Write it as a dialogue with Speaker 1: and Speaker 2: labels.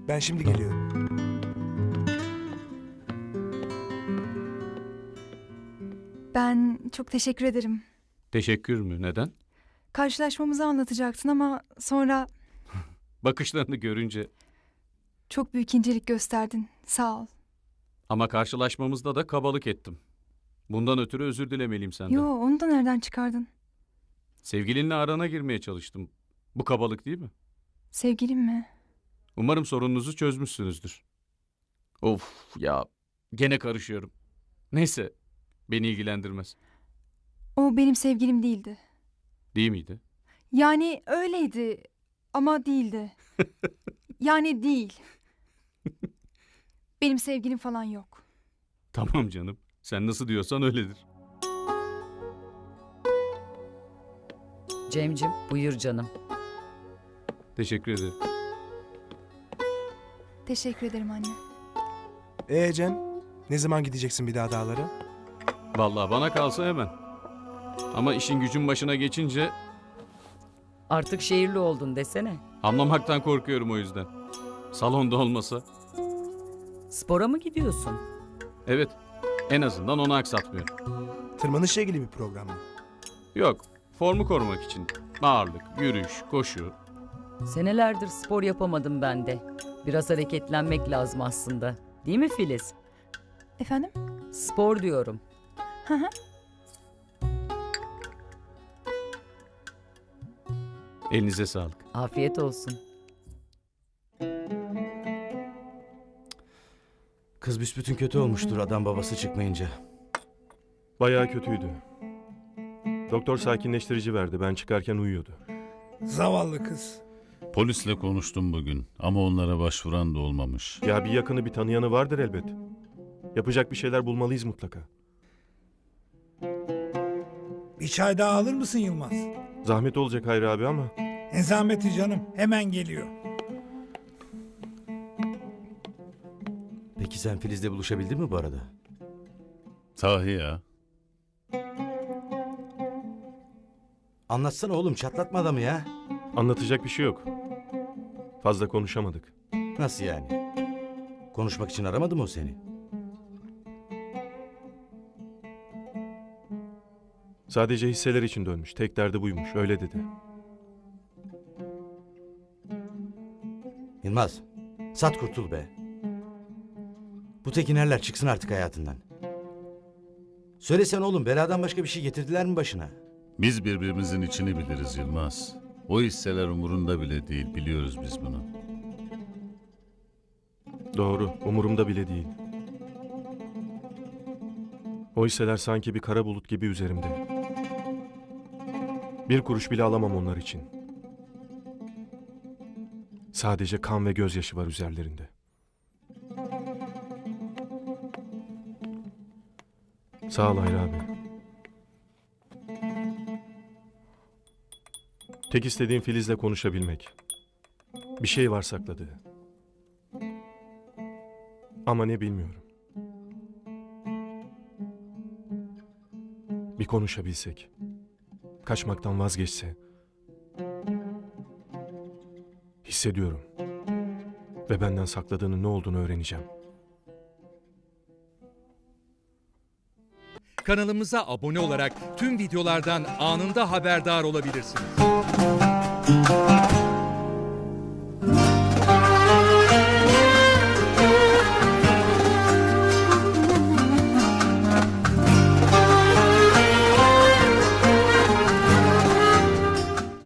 Speaker 1: Ben şimdi geliyorum.
Speaker 2: Ben çok teşekkür ederim.
Speaker 3: Teşekkür mü? Neden?
Speaker 2: Karşılaşmamızı anlatacaktın ama sonra
Speaker 3: Bakışlarını görünce.
Speaker 2: çok büyük incelik gösterdin. Sağ ol.
Speaker 3: Ama karşılaşmamızda da kabalık ettim. Bundan ötürü özür dilemeliyim senden.
Speaker 2: Yo, onu da nereden çıkardın?
Speaker 3: Sevgilinle arana girmeye çalıştım. Bu kabalık değil mi?
Speaker 2: Sevgilim mi?
Speaker 3: Umarım sorununuzu çözmüşsünüzdür. Of ya, gene karışıyorum. Neyse, beni ilgilendirmez.
Speaker 2: O benim sevgilim değildi.
Speaker 3: Değil miydi?
Speaker 2: Yani öyleydi ama değildi. Yani değil. Benim sevgilim falan yok.
Speaker 3: Tamam canım. Sen nasıl diyorsan öyledir.
Speaker 4: Cemcim buyur canım.
Speaker 3: Teşekkür ederim.
Speaker 2: Teşekkür ederim anne.
Speaker 1: Cem, ne zaman gideceksin bir daha dağlara?
Speaker 3: Vallahi bana kalsa hemen. Ama işin gücün başına geçince
Speaker 4: Artık şehirli oldun desene.
Speaker 3: anlamaktan korkuyorum o yüzden. Salonda olmasa.
Speaker 4: Spora mı gidiyorsun?
Speaker 3: Evet, en azından onu aksatmıyorum.
Speaker 1: Tırmanışla ilgili bir program mı?
Speaker 3: Yok, formu korumak için. Ağırlık, yürüyüş, koşu.
Speaker 4: Senelerdir spor yapamadım ben de. Biraz hareketlenmek lazım aslında. Değil mi Filiz?
Speaker 2: Efendim?
Speaker 4: Spor diyorum.
Speaker 2: Hı hı.
Speaker 3: Elinize sağlık.
Speaker 4: Afiyet olsun.
Speaker 5: Kız büsbütün kötü olmuştur adam babası çıkmayınca.
Speaker 6: Bayağı kötüydü. Doktor sakinleştirici verdi. Ben çıkarken uyuyordu.
Speaker 7: Zavallı kız.
Speaker 8: Polisle konuştum bugün ama onlara başvuran da olmamış.
Speaker 6: Ya bir yakını bir tanıyanı vardır elbet. Yapacak bir şeyler bulmalıyız mutlaka.
Speaker 7: Bir çay daha alır mısın Yılmaz?
Speaker 6: Zahmet olacak Hayri abi ama
Speaker 7: Ne zahmeti canım, hemen geliyor.
Speaker 5: Peki sen Filiz'le buluşabildin mi bu arada?
Speaker 8: Sahi ya.
Speaker 5: Anlatsana oğlum, çatlatma adamı ya.
Speaker 6: anlatacak bir şey yok. Fazla konuşamadık.
Speaker 5: Nasıl yani? Konuşmak için aramadı mı o seni?
Speaker 6: Sadece hisseler için dönmüş. Tek derdi buymuş. Öyle dedi.
Speaker 5: Yılmaz, sat kurtul be. Bu Tekinerler çıksın artık hayatından. Söylesene oğlum, beladan başka bir şey getirdiler mi başına?
Speaker 8: Biz birbirimizin içini biliriz Yılmaz. O hisseler umurunda bile değil, biliyoruz biz bunu.
Speaker 6: Doğru. Umurumda bile değil. O hisseler sanki bir kara bulut gibi üzerimde. Bir kuruş bile alamam onlar için. Sadece kan ve gözyaşı var üzerlerinde. Sağ ol Hayri abi. Tek istediğim Filiz'le konuşabilmek. Bir şey var sakladığı. Ama ne bilmiyorum. Bir konuşabilsek. Kaçmaktan vazgeçse. Hissediyorum. Ve benden sakladığının ne olduğunu öğreneceğim.
Speaker 9: Kanalımıza abone olarak tüm videolardan anında haberdar olabilirsiniz.